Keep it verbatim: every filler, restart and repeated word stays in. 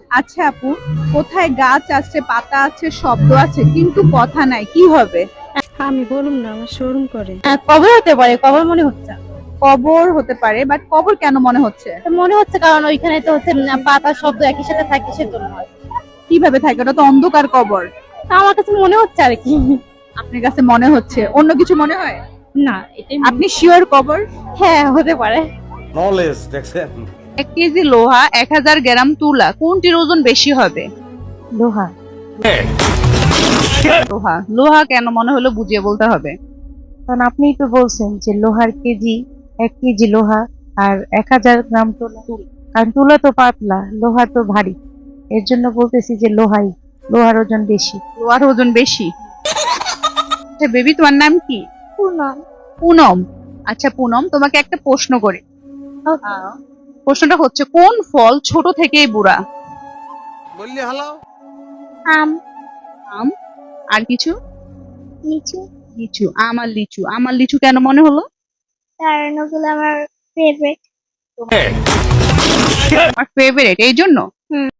আচ্ছা আপু, কোথায় গাছ আছে, পাতা আছে, শব্দ আছে, কিন্তু কথা নাই, কি হবে? আমি বলুম না, আমার শোরুম করে। কবর হতে পারে, কবর মনে হচ্ছে। কবর হতে পারে, বাট কবর কেন মনে হচ্ছে? তো মনে হচ্ছে কারণ ওইখানে তো হচ্ছে উম, পাতা শব্দ একই সাথে থাকে সেজন্য হয়। কিভাবে থাকে? ওটা তো অন্ধকার কবর। তা আমার কাছে মনে হচ্ছে আর কি। আপনার কাছে মনে হচ্ছে, অন্য কিছু মনে হয়? না এটাই আপনি শিওর কবর? হ্যাঁ হতে পারে। নলেজ দেখছেন। এক কেজি লোহা, এক হাজার গ্রাম তুলা, কোনটির ওজন বেশি হবে? লোহা। লোহা। লোহা কেন মনে হলো বুঝিয়ে বলতে হবে। কারণ আপনিই তো বলছেন যে লোহার কেজি, এক কেজি লোহা আর এক হাজার গ্রাম তুলা। কারণ তুলা তো পাতলা, লোহা তো ভারী, এর জন্য বলতেছি যে লোহাই, লোহার ওজন বেশি। লোহার ওজন বেশি। আচ্ছা বেবি, তোমার নাম কি? পুনম। পুনম। আচ্ছা পুনম, তোমাকে একটা প্রশ্ন করি। আহ, প্রশ্নটা হচ্ছে, কোন ফল ছোট থেকেই বুড়া? বললি হালাও। আম। আম। আর কিছু? লিচু। লিচু। আম আর লিচু। আমার লিচু কেন মনে হলো? কারণ ওগুলো আমার ফেভারিট। আমার ফেভারিট, এই জন্য।